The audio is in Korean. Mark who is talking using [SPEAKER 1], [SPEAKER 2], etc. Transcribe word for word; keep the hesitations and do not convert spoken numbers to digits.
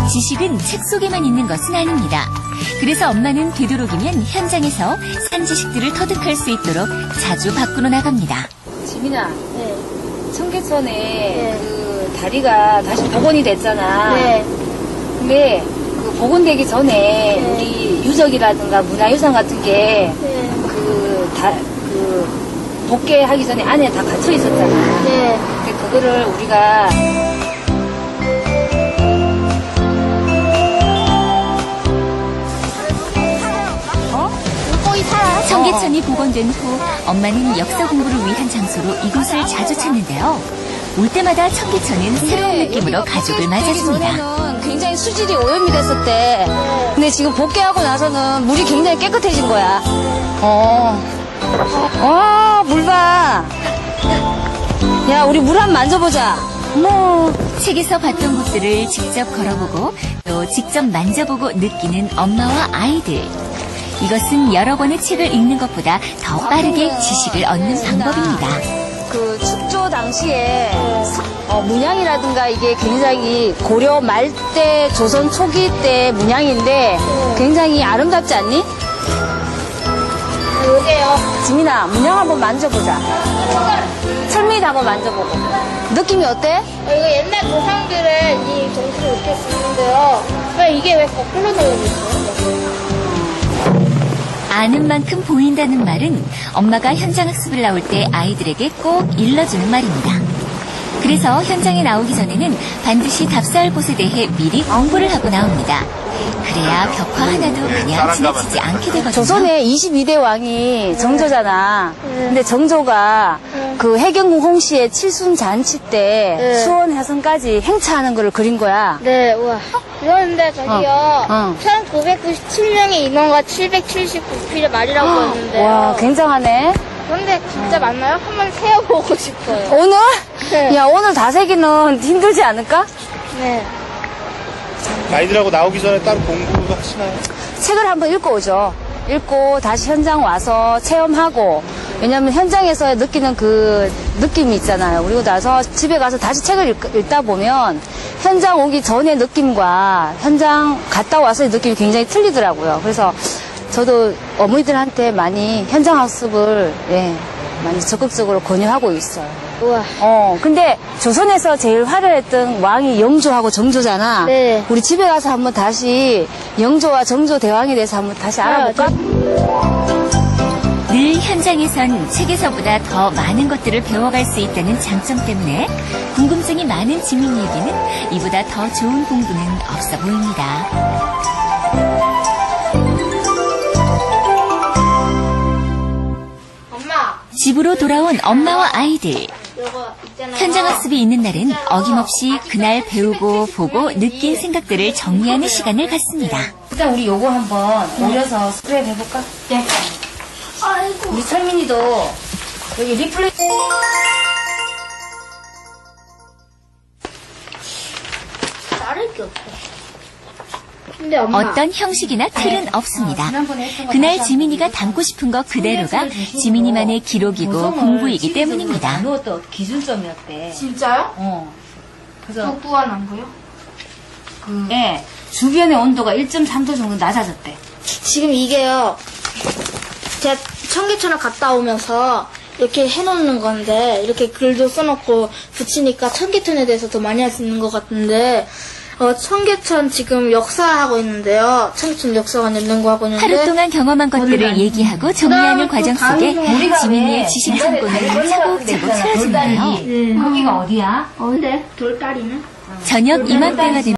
[SPEAKER 1] 지식은 책 속에만 있는 것은 아닙니다. 그래서 엄마는 되도록이면 현장에서 산 지식들을 터득할 수 있도록 자주 밖으로 나갑니다.
[SPEAKER 2] 지민아,
[SPEAKER 3] 네.
[SPEAKER 2] 청계천에
[SPEAKER 3] 네.
[SPEAKER 2] 그 다리가 다시 복원이 됐잖아.
[SPEAKER 3] 네.
[SPEAKER 2] 근데 그 복원되기 전에
[SPEAKER 3] 네.
[SPEAKER 2] 우리 유적이라든가 문화유산 같은 게
[SPEAKER 3] 네.
[SPEAKER 2] 그 다, 그 복개하기 전에 안에 다 갇혀 있었잖아.
[SPEAKER 3] 네.
[SPEAKER 2] 근데 그거를 우리가
[SPEAKER 1] 청계천이 복원된 후 엄마는 역사 공부를 위한 장소로 이곳을 자주 찾는데요. 올 때마다 청계천은 새로운 느낌으로 가족을 맞아줍니다.
[SPEAKER 2] 전에는 굉장히 수질이 오염이 됐었대. 근데 지금 복개하고 나서는 물이 굉장히 깨끗해진 거야. 어. 와, 물 봐. 야, 우리 물 한번 만져보자. 뭐.
[SPEAKER 1] 책에서 봤던 곳들을 직접 걸어보고 또 직접 만져보고 느끼는 엄마와 아이들. 이것은 여러 권의 책을 읽는 것보다 더 빠르게 지식을 얻는 방법입니다.
[SPEAKER 2] 그 축조 당시에 어, 문양이라든가 이게 굉장히 고려 말 때, 조선 초기 때 문양인데 굉장히 아름답지 않니?
[SPEAKER 3] 여기요.
[SPEAKER 2] 지민아, 문양 한번 만져보자. 철미도 한번 만져보고. 느낌이 어때?
[SPEAKER 3] 어, 이거 옛날 조상들은 이 정수를 이렇게 쓰는데요. 왜 이게 왜 거꾸로 되어 있어요?
[SPEAKER 1] 아는 만큼 보인다는 말은 엄마가 현장 학습을 나올 때 아이들에게 꼭 일러주는 말입니다. 그래서 현장에 나오기 전에는 반드시 답사할 곳에 대해 미리 공부를 하고 나옵니다. 그래야 벽화 하나도 그냥 지나치지 않게 되거든요.
[SPEAKER 2] 조선의 이십이 대 왕이 정조잖아. 근데 정조가 그 해경궁 홍씨의 칠순잔치 때
[SPEAKER 3] 네.
[SPEAKER 2] 수원 해성까지 행차하는 거를 그린 거야.
[SPEAKER 3] 네, 우와. 그런데 저기요.
[SPEAKER 2] 어, 어.
[SPEAKER 3] 천구백구십칠 명의 인원과 칠백칠십구 필의 말이라고 했는데요.
[SPEAKER 2] 와, 굉장하네.
[SPEAKER 3] 그런데 진짜 맞나요? 한번 세어보고 싶어요.
[SPEAKER 2] 오늘?
[SPEAKER 3] 네.
[SPEAKER 2] 야, 오늘 다 세기는 힘들지 않을까?
[SPEAKER 3] 네.
[SPEAKER 4] 아이들하고 나오기 전에 따로 공부도 하시나요?
[SPEAKER 2] 책을 한번 읽고 오죠. 읽고 다시 현장 와서 체험하고, 왜냐면 현장에서 느끼는 그 느낌이 있잖아요. 그리고 나서 집에 가서 다시 책을 읽, 읽다 보면 현장 오기 전의 느낌과 현장 갔다 와서의 느낌이 굉장히 틀리더라고요. 그래서 저도 어머니들한테 많이 현장 학습을 예, 많이 적극적으로 권유하고 있어요.
[SPEAKER 3] 우와.
[SPEAKER 2] 어, 근데 조선에서 제일 화려했던 왕이 영조하고 정조잖아.
[SPEAKER 3] 네.
[SPEAKER 2] 우리 집에 가서 한번 다시 영조와 정조 대왕에 대해서 한번 다시 알아볼까?
[SPEAKER 1] 늘 현장에선 책에서보다 더 많은 것들을 배워갈 수 있다는 장점 때문에 궁금증이 많은 지민이에게는 이보다 더 좋은 공부는 없어 보입니다.
[SPEAKER 3] 엄마,
[SPEAKER 1] 집으로 돌아온 엄마와 아이들.
[SPEAKER 3] 이거 있잖아요.
[SPEAKER 1] 현장 학습이 있는 날은 어김없이 그날 배우고 보고 느낀 생각들을 정리하는 시간을 갖습니다.
[SPEAKER 2] 일단 우리 요거 한번 올려서 스크랩 해볼까?
[SPEAKER 3] 네. 아이고.
[SPEAKER 2] 우리 철민이도 여기 리플레이
[SPEAKER 3] 다를 게 없어. 근데 엄마.
[SPEAKER 1] 어떤 형식이나 틀은 없습니다.
[SPEAKER 2] 지난번에 했던 거
[SPEAKER 1] 그날
[SPEAKER 2] 다시
[SPEAKER 1] 지민이가
[SPEAKER 2] 한번
[SPEAKER 1] 담고 싶은 것 그대로가
[SPEAKER 2] 청계천을 중심으로
[SPEAKER 1] 지민이만의 기록이고
[SPEAKER 2] 구성을
[SPEAKER 1] 공부이기
[SPEAKER 2] 시기적으로
[SPEAKER 1] 때문입니다.
[SPEAKER 2] 나누었던 기준점이었대.
[SPEAKER 3] 진짜요?
[SPEAKER 2] 어. 그래서
[SPEAKER 3] 독부한 거요?
[SPEAKER 2] 그 예, 주변의 온도가 일 점 삼 도 정도 낮아졌대.
[SPEAKER 3] 지금 이게요. 제가 청계천을 갔다 오면서 이렇게 해놓는 건데 이렇게 글도 써놓고 붙이니까 청계천에 대해서 더 많이 알 수 있는 것 같은데 어, 청계천 지금 역사하고 있는데요. 청계천 역사관 연구하고 있는데
[SPEAKER 1] 하루 동안 경험한 것들을 얘기하고 정리하는 과정 속에
[SPEAKER 2] 우리가
[SPEAKER 1] 지민이의
[SPEAKER 2] 왜
[SPEAKER 1] 지식
[SPEAKER 2] 옛날에
[SPEAKER 1] 창고는
[SPEAKER 2] 다리
[SPEAKER 1] 차곡차곡
[SPEAKER 2] 돌다리,
[SPEAKER 1] 채워지는데요.
[SPEAKER 2] 거기가 어디야?
[SPEAKER 3] 어, 근데 돌다리는?
[SPEAKER 1] 저녁 이맘때가 되면